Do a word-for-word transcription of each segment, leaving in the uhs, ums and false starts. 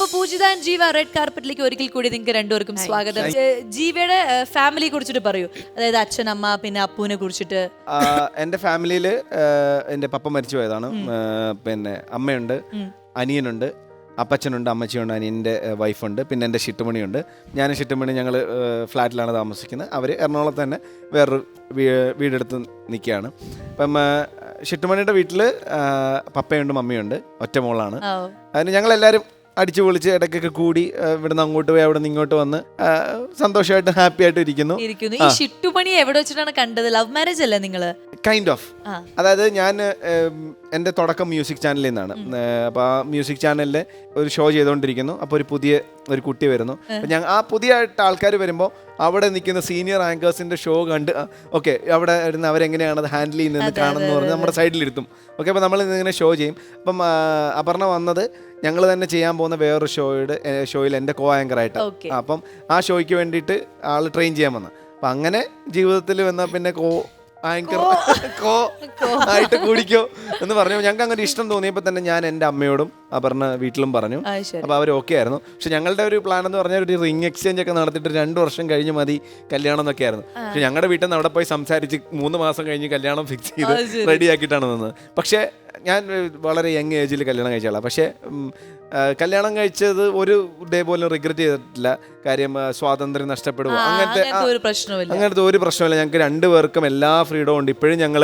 പൂജിത and ജീവ red കാർപ്പറ്റിലേക്ക് ഒരിക്കൽ കൂടി നിങ്ങൾക്ക് രണ്ടുപേർക്കും സ്വാഗതം. ജീവയുടെ ഫാമിലിയെ കുറിച്ചിട്ട് പറയൂ, അതായത് അച്ഛൻ, അമ്മ, പിന്നെ അപ്പൂനെ കുറിച്ചിട്ട്. എന്റെ ഫാമിലിയില് എന്റെ പപ്പ മരിച്ചു പോയതാണ്. പിന്നെ അമ്മയുണ്ട്, അനിയനുണ്ട്, അപ്പച്ചനുണ്ട്, അമ്മച്ചിയുണ്ട്, അനിയൻ്റെ വൈഫുണ്ട്, പിന്നെ എൻ്റെ ഷിട്ടുമണിയുണ്ട്. ഞാൻ ഷിട്ടുമണി ഞങ്ങൾ ഫ്ലാറ്റിലാണ് താമസിക്കുന്നത്. അവർ എറണാകുളത്ത് തന്നെ വേറൊരു വീടെടുത്ത് നിൽക്കുകയാണ്. അപ്പം ഷിട്ടുമണിയുടെ വീട്ടിൽ പപ്പയുണ്ട്, മമ്മിയുണ്ട്, ഒറ്റ മോളാണ്. അതിന് ഞങ്ങളെല്ലാവരും അടിച്ചു പൊളിച്ച് ഇടയ്ക്കൊക്കെ കൂടി ഇവിടുന്ന് അങ്ങോട്ട് പോയി അവിടെ നിന്ന് ഇങ്ങോട്ട് വന്ന് സന്തോഷമായിട്ട് ഹാപ്പി ആയിട്ട് ഇരിക്കുന്നു. ഈ ഷിട്ടുമണി എവിടെ വെച്ചിട്ടാണ് കണ്ടത്? ലവ് മാരേജ് അല്ലേ നിങ്ങള്? Kind of. അതായത് ഞാൻ എൻ്റെ തുടക്കം മ്യൂസിക് ചാനലിൽ നിന്നാണ്. അപ്പോൾ ആ മ്യൂസിക് ചാനലിൽ ഒരു ഷോ ചെയ്തുകൊണ്ടിരിക്കുന്നു. അപ്പോൾ ഒരു പുതിയ ഒരു കുട്ടി വരുന്നു. അപ്പം ഞാൻ ആ പുതിയതായിട്ട് ആൾക്കാർ വരുമ്പോൾ അവിടെ നിൽക്കുന്ന സീനിയർ ആങ്കേഴ്സിൻ്റെ ഷോ കണ്ട് ഓക്കെ അവിടെ ഇരുന്ന് അവരെങ്ങനെയാണ് അത് ഹാൻഡിൽ ചെയ്യുന്നതെന്ന് കാണുമെന്ന് പറഞ്ഞ് നമ്മുടെ സൈഡിലിരുത്തും. ഓക്കെ, അപ്പോൾ നമ്മൾ ഇങ്ങനെ ഷോ ചെയ്യും. അപ്പം അപർണ വന്നത് ഞങ്ങൾ തന്നെ ചെയ്യാൻ പോകുന്ന വേറൊരു ഷോയുടെ ഷോയിൽ എൻ്റെ കോ ആങ്കറായിട്ട്. അപ്പം ആ ഷോയ്ക്ക് വേണ്ടിയിട്ട് ആൾ ട്രെയിൻ ചെയ്യാൻ വന്നു. അപ്പം അങ്ങനെ ജീവിതത്തിൽ വന്നാൽ പിന്നെ കോ ആങ്കർ കോ ആയിട്ട് കൂടിക്കോ എന്ന് പറഞ്ഞു. ഞങ്ങൾക്ക് അങ്ങനെ ഇഷ്ടം തോന്നിയപ്പോൾ തന്നെ ഞാൻ എൻ്റെ അമ്മയോടും അപർണ വീട്ടിലും പറഞ്ഞു. അപ്പോൾ അവർ ഓക്കെ ആയിരുന്നു. പക്ഷെ ഞങ്ങളുടെ ഒരു പ്ലാൻ എന്ന് പറഞ്ഞാൽ ഒരു റിംഗ് എക്സ്ചേഞ്ച് ഒക്കെ നടത്തിയിട്ട് രണ്ട് വർഷം കഴിഞ്ഞ് മതി കല്യാണം എന്നൊക്കെ ആയിരുന്നു. പക്ഷെ ഞങ്ങളുടെ വീട്ടിൽ നിന്ന് അവിടെ പോയി സംസാരിച്ച് മൂന്ന് മാസം കഴിഞ്ഞ് കല്യാണം ഫിക്സ് ചെയ്ത് റെഡിയാക്കിയിട്ടാണ് നിന്നത്. പക്ഷേ ഞാൻ വളരെ യങ് ഏജിൽ കല്യാണം കഴിച്ചാളാണ്. പക്ഷേ കല്യാണം കഴിച്ചത് ഒരു ഡേ പോലും റിഗ്രറ്റ് ചെയ്തിട്ടില്ല. കാര്യം സ്വാതന്ത്ര്യം നഷ്ടപ്പെടുക അങ്ങനത്തെ അങ്ങനത്തെ ഒരു പ്രശ്നമില്ല. ഞങ്ങൾക്ക് രണ്ടുപേർക്കും എല്ലാ ഫ്രീഡവും ഉണ്ട്. ഇപ്പോഴും ഞങ്ങൾ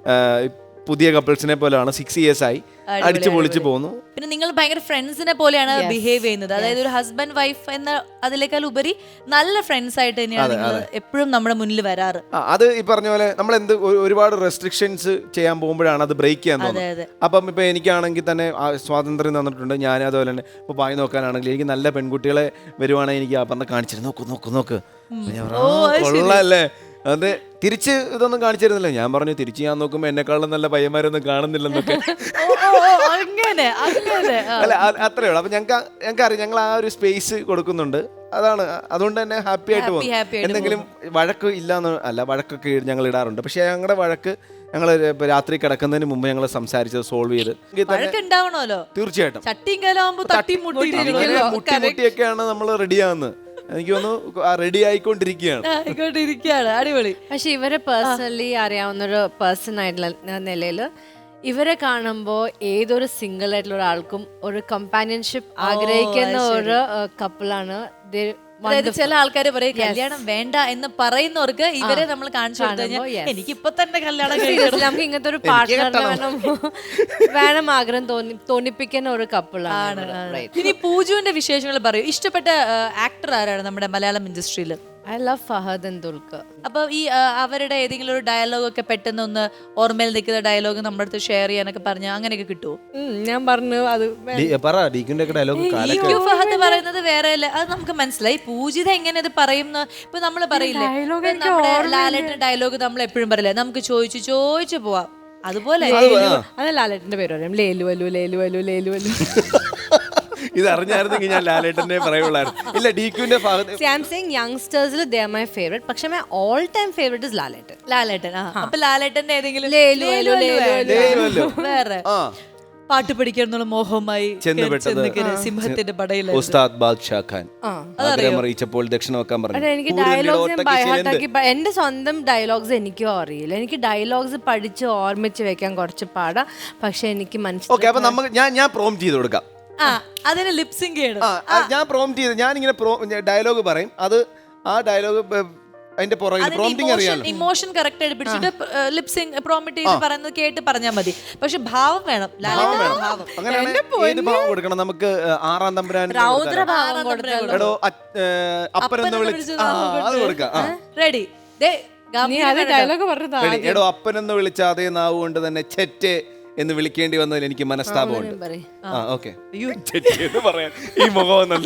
പുതിയ കപ്പിൾസിനെ പോലെയാണ്. സിക്സ് ഇയേഴ്സ് ആയി അടിച്ചു പൊളിച്ചു പോകുന്നു. പിന്നെ നിങ്ങൾ ഭയങ്കര ഫ്രണ്ട്സിനെ പോലെയാണ് ബിഹേവ് ചെയ്യുന്നത്. അതായത് ഒരു ഹസ്ബൻഡ് വൈഫ് എന്ന അതിനേക്കാൾ ഉപരി നല്ല ഫ്രണ്ട്സ് ആയിട്ട് തന്നെയാണ് നിങ്ങൾ എപ്പോഴും നമ്മുടെ മുന്നിൽ വരാറ്. അത് ഈ പറഞ്ഞ പോലെ നമ്മൾ എന്ത് ഒരുപാട് റെസ്ട്രിക്ഷൻസ് ചെയ്യാൻ പോകുമ്പോഴാണ് അത് ബ്രേക്ക് ചെയ്യാൻ തോന്നുന്നത്. അപ്പം ഇപ്പൊ എനിക്കാണെങ്കിൽ തന്നെ സ്വാതന്ത്ര്യം തന്നിട്ടുണ്ട്. ഞാൻ അതുപോലെ തന്നെ ഇപ്പൊ പായി നോക്കാനാണെങ്കിൽ എനിക്ക് നല്ല പെൺകുട്ടികളെ വരുവാണെങ്കിൽ എനിക്ക് ആ പറഞ്ഞ കാണിച്ചിട്ട് നോക്ക് നോക്ക് നോക്ക് കൊള്ളാല്ലേ. അത് തിരിച്ച് ഇതൊന്നും കാണിച്ചിരുന്നില്ല. ഞാൻ പറഞ്ഞു തിരിച്ച് ഞാൻ നോക്കുമ്പോ എന്നെക്കാളും നല്ല പയ്യന്മാരൊന്നും കാണുന്നില്ലെന്നൊക്കെ. അല്ല അത്രേ ഉള്ളൂ. അപ്പൊ ഞങ്ങൾക്ക് ഞങ്ങൾക്ക് അറിയാം ഞങ്ങൾ ആ ഒരു സ്പേസ് കൊടുക്കുന്നുണ്ട്. അതാണ് അതുകൊണ്ട് തന്നെ ഹാപ്പി ആയിട്ട് പോകും. എന്തെങ്കിലും വഴക്ക് ഇല്ലാന്ന് അല്ല, വഴക്കൊക്കെ ഞങ്ങൾ ഇടാറുണ്ട്. പക്ഷെ ഞങ്ങളുടെ വഴക്ക് ഞങ്ങൾ രാത്രി കിടക്കുന്നതിന് മുമ്പ് ഞങ്ങൾ സംസാരിച്ചത് സോൾവ് ചെയ്ത് തീർച്ചയായിട്ടും മുട്ടിമുട്ടിയൊക്കെയാണ് നമ്മൾ റെഡിയാകുന്നത്. എനിക്ക് തോന്നുന്നു റെഡി ആയിക്കൊണ്ടിരിക്കുകയാണ്. അടിപൊളി. പക്ഷെ ഇവരെ പേഴ്സണലി അറിയാവുന്നൊരു പേഴ്സൺ ആയിട്ടുള്ള നിലയിൽ ഇവരെ കാണുമ്പോൾ ഏതൊരു സിംഗിൾ ആയിട്ടുള്ള ഒരാൾക്കും ഒരു കമ്പാനിയൻഷിപ്പ് ആഗ്രഹിക്കുന്ന ഒരു കപ്പിളാണ്. ചില ആൾക്കാർ പറയും കല്യാണം വേണ്ട എന്ന് പറയുന്നവർക്ക് ഇവരെ നമ്മൾ കാണിച്ചു കഴിഞ്ഞാൽ എനിക്ക് ഇപ്പൊ തന്നെ കല്യാണം നമുക്ക് ഇങ്ങനത്തെ ഒരു പാർട്ട്ണർ വേണം വേണം ആഗ്രഹം തോന്നി തോന്നിപ്പിക്കുന്ന ഒരു കപ്പിളാണ്. ഇനി പൂജുവിന്റെ വിശേഷങ്ങൾ പറയൂ. ഇഷ്ടപ്പെട്ട ആക്ടർ ആരാണ് നമ്മുടെ മലയാളം ഇൻഡസ്ട്രിയിൽ? I love Fahadh and Dulquer. അപ്പൊ ഈ അവരുടെ ഏതെങ്കിലും ഒരു ഡയലോഗ് ഒക്കെ പെട്ടെന്ന് ഒന്ന് ഓർമ്മയിൽ നിൽക്കുന്ന ഡയലോഗ് നമ്മുടെ അടുത്ത് ഷെയർ ചെയ്യാനൊക്കെ പറഞ്ഞ അങ്ങനെയൊക്കെ കിട്ടുമോ? ഞാൻ പറഞ്ഞു അത് ഫഹദ് പറയുന്നത് വേറെ അല്ല, അത് നമുക്ക് മനസ്സിലായി. പൂജിത എങ്ങനെ അത് പറയുന്ന ഇപ്പൊ നമ്മള് പറയില്ലേ, നമ്മുടെ ലാലേട്ടന്റെ ഡയലോഗ് നമ്മൾ എപ്പോഴും പറയില്ലേ, നമുക്ക് ചോദിച്ചു ചോദിച്ചു പോവാം. അതുപോലെ അത് ലാലേട്ടന്റെ പേര് പറയാം, ലേലു വലു ലേലു വലു ലേലു വലു. ഇത് അറിഞ്ഞായിരുന്നെങ്കിൽ ഞാൻ ലാലേട്ടനെ പറയുള്ളായിരുന്നു. ഇല്ല, ഡിക്യുവിന്റെ യങ്സ്റ്റേഴ്സിൽ ദേ ആർ മൈ ഫേവറേറ്റ്. പക്ഷെ my all time favourite is Lalettan. Lalettan. അപ്പൊ ലാലേട്ടന്റെ ഏതെങ്കിലും വേറെ പാട്ട് പഠിക്കാനുള്ള മോഹമായി സിംഹത്തിന്റെ പടയിൽ ഉസ്താദ് ബാദ്ഷാ ഖാൻ ആഗ്രഹം അറിയിച്ചപ്പോൾ ദക്ഷിണ വെക്കാൻ പറഞ്ഞു. എനിക്ക് ഡയലോഗ്സ് ബൈഹാർട്ടാക്കി എന്റെ സ്വന്തം ഡയലോഗ്സ് എനിക്കും അറിയില്ല. എനിക്ക് ഡയലോഗ്സ് പഠിച്ച് ഓർമ്മിച്ച് വെക്കാൻ കുറച്ച് പാടാ. പക്ഷെ എനിക്ക് മനസ്സിലായി. അപ്പൊ നമുക്ക് ഞാൻ ഞാൻ പ്രോംപ്റ്റ് ചെയ്ത് കൊടുക്കാം. അതിന് ലിപ്സിംഗ് ചെയ്യണം. ഞാൻ പ്രോംപ്റ്റ് ചെയ്ത് ഞാൻ ഇങ്ങനെ ഡയലോഗ് പറയും. അത് ആ ഡയലോഗ് അതിന്റെ പുറകിൽ പ്രോംപ്റ്റിംഗ് അറിയാലോ. ഇമോഷൻ കറക്റ്റ് ആയിട്ട് പിടിച്ചിട്ട് ലിപ്സിംഗ് പ്രോംപ്റ്റ് ചെയ്ത് പറയുന്നത് കേട്ട് പറഞ്ഞാൽ മതി. പക്ഷെ ഭാവം വേണം. അങ്ങനെ ഏത് ഭാവം കൊടുക്കണം? നമുക്ക് ആറാം തമ്പുരാൻ എടോ അപ്പനെന്ന് വിളിച്ച് അത് കൊടുക്കാം. റെഡി? എടോ അപ്പനെന്ന് വിളിച്ച അതേ നാവ് കൊണ്ട് തന്നെ ചെറ്റ് എന്ന് വിളിക്കേണ്ടി വന്നതിൽ എനിക്ക് മനസ്താപമുണ്ട്. ആ ഓക്കെ, പറയാൻ ഈ മുഖമെന്നല്ല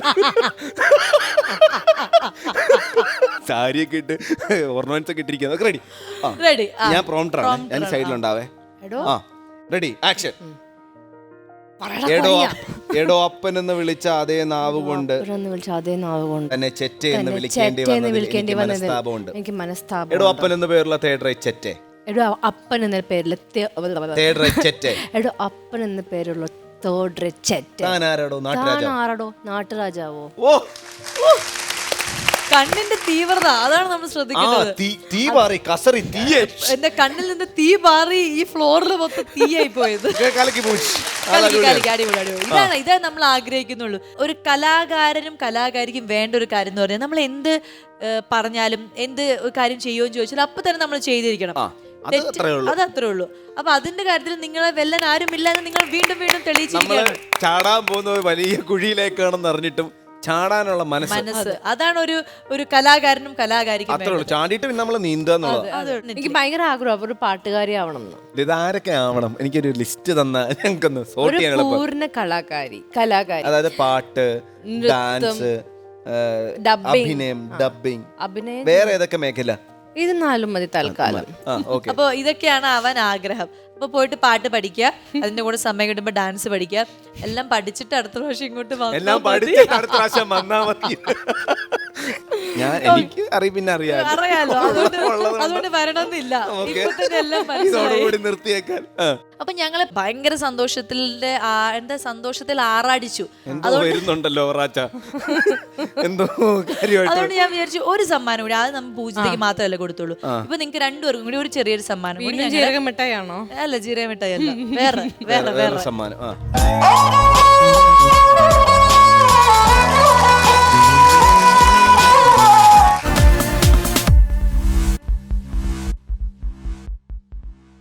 സാരിയൊക്കെ ഇട്ട് ഓർണമെന്റ്സ് ഒക്കെ ഇട്ടിരിക്കുന്നത്. റെഡി? റെഡി. ഞാൻ പ്രോംപ്റ്ററാണ്, ഞാൻ സൈഡിലുണ്ടാവേ. ആ റെഡി, ആക്ഷൻ. എടോ എടോ അപ്പനെന്ന് വിളിച്ച അതേ നാവ് കൊണ്ട് തന്നെ ചെറ്റ് എന്ന് വിളിക്കേണ്ടി വന്നതിൽ എനിക്ക് മനസ്താപമുണ്ട്. എടോ അപ്പൻ എന്ന് പേരുള്ള തേർഡ് റൈറ്റ് ചെറ്റെ. എടോ അപ്പൻ എന്ന പേരിൽ എടോ അപ്പൻ എന്ന പേരുള്ള തോഡ്രച്ചെറ്റ് താൻ ആരാടോ നാട്ടുരാജാവ്? ആരാടോ നാട്ടുരാജാവോ? ഓ കണ്ണിന്റെ തീവ്രത അതാണ് നമ്മൾ ആ ശ്രദ്ധിക്കുന്നത്. തീ തീ പാറി കസറി തീയെ എന്റെ കണ്ണിൽ നിന്ന് തീ പാറി ഈ ഫ്ലോറിൽ മൊത്തം തീയായി പോയത്. കലക്കി പൂച്ച്. കളിക്ക് കളിക്ക് അടിപൊളി അടിപൊളി. ഇതാണ് ഇതാണ് നമ്മൾ ആഗ്രഹിക്കുന്നുള്ളൂ. ഒരു കലാകാരനും കലാകാരിക്കും വേണ്ട ഒരു കാര്യം എന്ന് പറഞ്ഞാൽ നമ്മൾ എന്ത് ഏഹ്, പറഞ്ഞാലും എന്ത് കാര്യം ചെയ്യുമെന്ന് ചോദിച്ചാൽ അപ്പൊ തന്നെ നമ്മൾ ചെയ്തിരിക്കണം. അത് അത്രേ ഉള്ളൂ. അത് അത്രേ ഉള്ളൂ. അപ്പൊ അതിന്റെ കാര്യത്തിൽ നിങ്ങളെ വെല്ലാൻ ആരുമില്ല എന്ന് നിങ്ങൾ വീണ്ടും വീണ്ടും നമ്മള് തെളിയിച്ചിരിക്കുകയാണ്. ചാടാൻ പോകുന്ന ഒരു വലിയ കുഴിയിലേക്കാണെന്ന് അറിഞ്ഞിട്ടും ചാടാനുള്ള മനസ്സ് മനസ്സ് അതാണ് ഒരു ഒരു കലാകാരനും കലാകാരിക്കും അത്രേ ഉള്ളൂ. ചാടിയിട്ട് പിന്നെ നമ്മള് നീന്തുക എന്നുള്ളത്. അത് എനിക്ക് ഭയങ്കര ആഗ്രഹം ഒരു പാട്ടുകാരി ആവണം എന്ന്. ഇതാരൊക്കെ ആവണം? എനിക്കൊരു ലിസ്റ്റ് തന്ന ഞങ്ങൾക്കൊന്ന് സോർട്ട് ഒരു ചെയ്യാൻ എളുപ്പം. പൂർണ്ണ കലാകാരി കലാകാരി അതായത് പാട്ട്, ഡാൻസ്, Dubbing. അഭിനയം, ഡബിങ്, അഭിനയം വേറെ ഏതൊക്കെ മേഖല? ഇത് നാലും മതി തൽക്കാലം. ആ ഓക്കെ. അപ്പൊ ഇതൊക്കെയാണ് അവൻ ആഗ്രഹം. അപ്പൊ പോയിട്ട് പാട്ട് പഠിക്കുക, അതിന്റെ കൂടെ സമയം കിട്ടുമ്പോ ഡാൻസ് പഠിക്കുക, എല്ലാം പഠിച്ചിട്ട് അടുത്ത പ്രാവശ്യം ഇങ്ങോട്ട് വന്നാ എല്ലാം മതി. പഠിച്ചിട്ട് അടുത്ത പ്രാവശ്യം വന്നാ മതി. ഞാൻ എനിക്ക് അറിയ പിന്നെ അറിയാം അറിയാലോ, അതുകൊണ്ട് ഉള്ളത് അതുകൊണ്ട് വരണമെന്നില്ല. ഓക്കേ. ഇപ്പൊ തന്നെ എല്ലാം മനസ്സിലായി. ഇതോടുകൂടി നിർത്തിയേക്കാൻ. ആ. അപ്പൊ ഞങ്ങള് ഭയങ്കര സന്തോഷത്തിന്റെ ആ- എന്താ സന്തോഷത്തിൽ ആറാടിച്ചു. എന്തോ വരുന്നുണ്ടല്ലോ റാച്ച, എന്തോ കാര്യമായിട്ട്. അതുകൊണ്ട് ഞാൻ വിചാരിച്ചു ഒരു സമ്മാനം കൂടി, അത് നമ്മൾ പൂജിതയ്ക്ക് മാത്രമല്ല കൊടുത്തുള്ളൂ. ഇപ്പൊ നിങ്ങൾക്ക് രണ്ടുപേർക്കും കൂടി ഒരു ചെറിയൊരു സമ്മാനം കൂടി ഞങ്ങള്- ജീരക മിഠായിയാണോ? അല്ല ജീരക മിഠായി അല്ല, വേറെ വേറെ വേറെ വേറെ സമ്മാനം. ആ